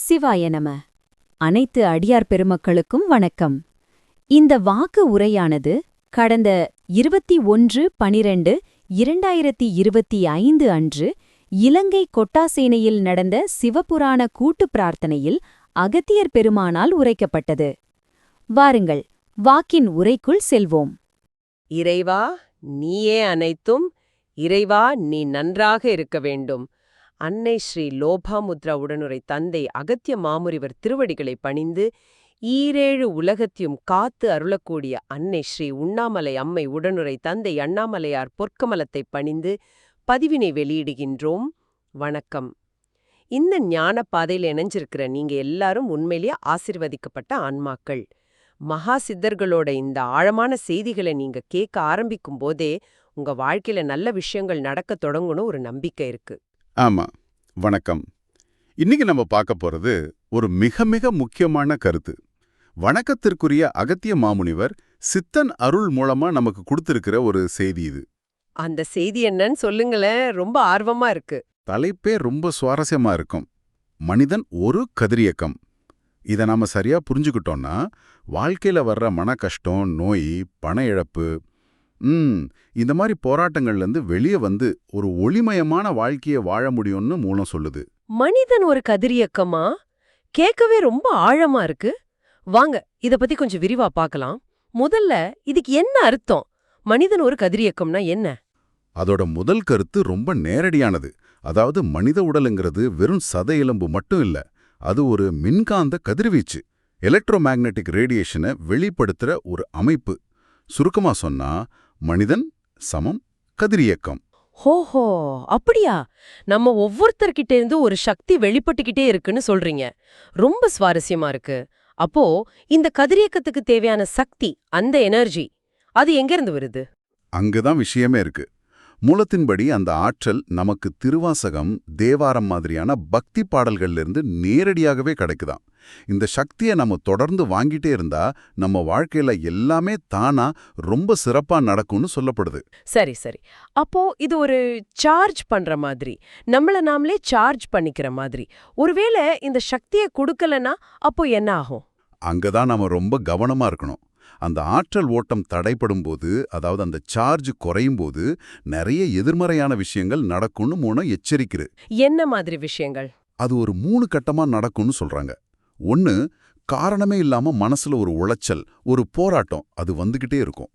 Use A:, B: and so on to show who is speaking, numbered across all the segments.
A: சிவாய நம. அனைத்து அடியார் பெருமக்களுக்கும் வணக்கம். இந்த வாக்கு உரையானது கடந்த 21/12/2025 அன்று இலங்கை கொட்டாசேனையில் நடந்த சிவபுராண கூட்டுப் பிரார்த்தனையில் அகத்தியர் பெருமானால் உரைக்கப்பட்டது. வாருங்கள், வாக்கின் உரைக்குள் செல்வோம்.
B: இறைவா, நீயே அனைத்தும். இறைவா, நீ நன்றாக இருக்க வேண்டும். அன்னை ஸ்ரீ லோபாமுத்ரா உடனுரை தந்தை அகத்திய மாமுனிவர் திருவடிகளை பணிந்து ஈரேழு உலகத்தையும் காத்து அருளக்கூடிய அன்னை ஸ்ரீ உண்ணாமலை அம்மை உடனுரை தந்தை அண்ணாமலையார் பொற்கமலத்தை பணிந்து பதிவினை வெளியிடுகின்றோம். வணக்கம். இந்த ஞான பாதையில் இணைஞ்சிருக்கிற நீங்க எல்லாரும் உண்மையிலேயே ஆசிர்வதிக்கப்பட்ட ஆன்மாக்கள். மகா சித்தர்களோட இந்த ஆழமான செய்திகளை நீங்க கேட்க ஆரம்பிக்கும் போதே உங்க வாழ்க்கையில நல்ல விஷயங்கள் நடக்க தொடங்கணும் ஒரு நம்பிக்கை இருக்கு.
C: ஆமா, வணக்கம். இன்னைக்கு நம்ம பார்க்க போறது ஒரு மிக மிக முக்கியமான கருத்து. வணக்கத்திற்குரிய அகத்திய மாமுனிவர் சித்தன் அருள் மூலமா நமக்கு கொடுத்திருக்கிற ஒரு செய்தி இது.
B: அந்த செய்தி என்னன்னு சொல்லுங்களேன், ரொம்ப ஆர்வமா இருக்கு.
C: தலைப்பே ரொம்ப சுவாரஸ்யமா இருக்கும். மனிதன் ஒரு கதிரியக்கம். இதை நாம சரியா புரிஞ்சுக்கிட்டோம்னா வாழ்க்கையில வர்ற மன கஷ்டம், நோய், பண இழப்பு, இந்த மாதிரி போராட்டங்கள்லேருந்து வெளியே வந்து ஒரு ஒளிமயமான வாழ்க்கையை வாழ முடியும்னு மூலம் சொல்லுது.
B: மனிதன் ஒரு கதிரியக்கமா? கேட்கவே ரொம்ப ஆழமா இருக்கு. வாங்க, இத பத்தி கொஞ்சம் விரிவா பார்க்கலாம். முதல்ல இதுக்கு என்ன அர்த்தம்? மனிதன் ஒரு கதிரியக்கம்னா என்ன?
C: அதோட முதல் கருத்து ரொம்ப நேரடியானது. அதாவது மனித உடலுங்கிறது வெறும் சத எலும்பு மட்டும் இல்ல, அது ஒரு மின்காந்த கதிர்வீச்சு, எலக்ட்ரோமேக்னெட்டிக் ரேடியேஷனை வெளிப்படுத்துற ஒரு அமைப்பு. சுருக்கமா சொன்னா மனிதன் சமம் கதிரியக்கம்.
B: ஹோஹோ, அப்படியா? நம்ம ஒவ்வொருத்தர்கிட்ட இருந்து ஒரு சக்தி வெளிப்பட்டுக்கிட்டே இருக்குன்னு சொல்றீங்க. ரொம்ப சுவாரஸ்யமா இருக்கு. அப்போ இந்த கதிரியக்கத்துக்கு தேவையான சக்தி, அந்த எனர்ஜி, அது எங்கிருந்து வருது?
C: அங்கதான் விஷயமே இருக்கு. மூலத்தின்படி அந்த ஆற்றல் நமக்கு திருவாசகம், தேவாரம் மாதிரியான பக்தி பாடல்கள்ல இருந்து நேரடியாகவே கிடைக்குதாம். இந்த சக்தியை நம்ம தொடர்ந்து வாங்கிட்டே இருந்தா நம்ம வாழ்க்கையில எல்லாமே தானா ரொம்ப சிறப்பா நடக்கும்னு சொல்லப்படுது.
B: சரி சரி. அப்போ இது ஒரு சார்ஜ் பண்ற மாதிரி, நம்மள நாமளே சார்ஜ் பண்ணிக்கிற மாதிரி. ஒருவேளை இந்த சக்தியை கொடுக்கலனா அப்போ என்ன ஆகும்?
C: அங்கதான் நாம ரொம்ப கவனமா இருக்கணும். அந்த ஆற்றல் ஓட்டம் தடைப்படும் போது, அதாவது அந்த சார்ஜ் குறையும் போது நிறைய எதிர்மறையான விஷயங்கள் நடக்கும்னு மூலம் எச்சரிக்கிறது.
B: என்ன மாதிரி விஷயங்கள்?
C: அது ஒரு 3 கட்டமா நடக்கும்னு சொல்றாங்க. 1, காரணமே இல்லாம மனசுல ஒரு உளைச்சல், ஒரு போராட்டம், அது வந்துகிட்டே இருக்கும்.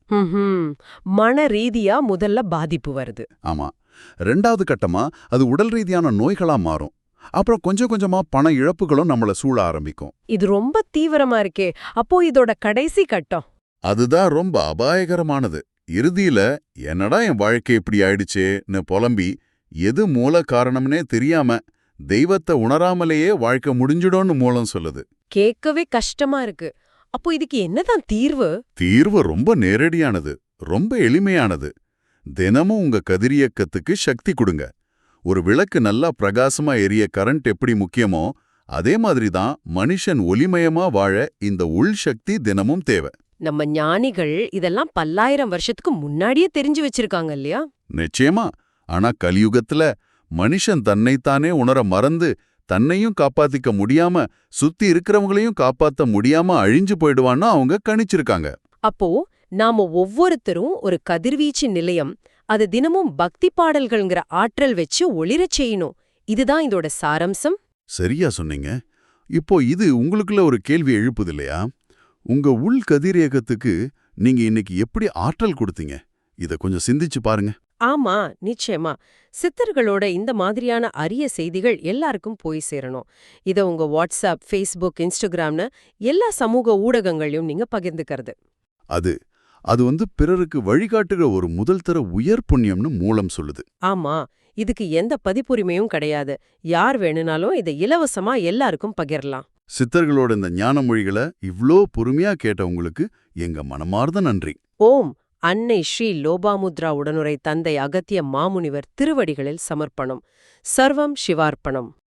B: மன ரீதியா முதல்ல பாதிப்பு வருது.
C: ஆமா. 2வது கட்டமா அது உடல் ரீதியான நோய்களா மாறும். அப்புறம் கொஞ்சம் கொஞ்சமா பண இழப்புகளும் நம்மள சூழ ஆரம்பிக்கும்.
B: இது ரொம்ப தீவிரமா இருக்கே. அப்போ இதோட கடைசி கட்டம்?
C: அதுதான் ரொம்ப அபாயகரமானது. இறுதியில என்னடா என் வாழ்க்கை இப்படி ஆயிடுச்சேன்னு புலம்பி, எது மூல காரணம்னே தெரியாம தெய்வத்தை உணராமலேயே வாழ்க்கை முடிஞ்சிடும்னு மூலம் சொல்லுது.
B: கேட்கவே கஷ்டமா இருக்கு. அப்போ இதுக்கு என்னதான் தீர்வு?
C: தீர்வு ரொம்ப நேரடியானது, ரொம்ப எளிமையானது. தினமும் உங்க கதிரியக்கத்துக்கு சக்தி கொடுங்க. ஒரு விளக்கு நல்லா பிரகாசமா எரிய கரண்ட் எப்படி முக்கியமோ அதே மாதிரி தான் மனுஷன் ஒளிமயமா வாழ இந்த உள் சக்தி தினமும் தேவை.
B: நம்ம ஞானிகள் இதெல்லாம் பல்லாயிரம் வருஷத்துக்கு முன்னாடியே தெரிஞ்சு வச்சிருக்காங்க இல்லையா?
C: நிச்சயமா. ஆனா கலியுகத்துல மனுஷன் தன்னைத்தானே உணர மறந்து தன்னையும் காப்பாத்திக்க முடியாம சுத்தி இருக்கிறவங்களையும் காப்பாத்த முடியாம அழிஞ்சு போயிடுவான்னு அவங்க கணிச்சிருக்காங்க.
B: அப்போ நாம ஒவ்வொருத்தரும் ஒரு கதிர்வீச்சு நிலையம், அது தினமும் பக்தி பாடல்கள்ங்கிற ஆற்றல் வச்சு ஒளிரச் செய்யணும். இதுதான் இதோட சாரம்சம்.
C: சரியா சொன்னீங்க. இப்போ இது உங்களுக்குள்ள ஒரு கேள்வி எழுப்புது இல்லையா? உங்க உள் கதிரியக்கத்துக்கு நீங்க இன்னைக்கு எப்படி ஆற்றல் கொடுத்தீங்க? இத கொஞ்சம் சிந்திச்சு பாருங்க.
B: ஆமா, நிச்சயமா. சித்தர்களோட இந்த மாதிரியான அரிய செய்திகள் எல்லாருக்கும் போய் சேரணும். இத உங்க வாட்ஸ்அப், ஃபேஸ்புக், இன்ஸ்டாகிராம்னு எல்லா சமூக ஊடகங்களையும் நீங்க பகிர்ந்துக்கிறது.
C: அது பிறருக்கு வழிகாட்டுகிற ஒரு முதல் தர உயர் புண்ணியம்னு மூலம் சொல்லுது.
B: ஆமா, இதுக்கு எந்த பதிப்புரிமையும் கிடையாது. யார் வேணும்னாலும் இதை இலவசமா எல்லாருக்கும் பகிரலாம்.
C: சித்தர்களோட இந்த ஞான மொழிகளை இவ்ளோ பொறுமையா கேட்ட உங்களுக்கு எங்க மனமார்ந்த நன்றி.
B: ஓம். அன்னை ஸ்ரீ லோபாமுத்ரா உடனுரை தந்தை அகத்திய மாமுனிவர் திருவடிகளில் சமர்ப்பணம். சர்வம் சிவார்ப்பணம்.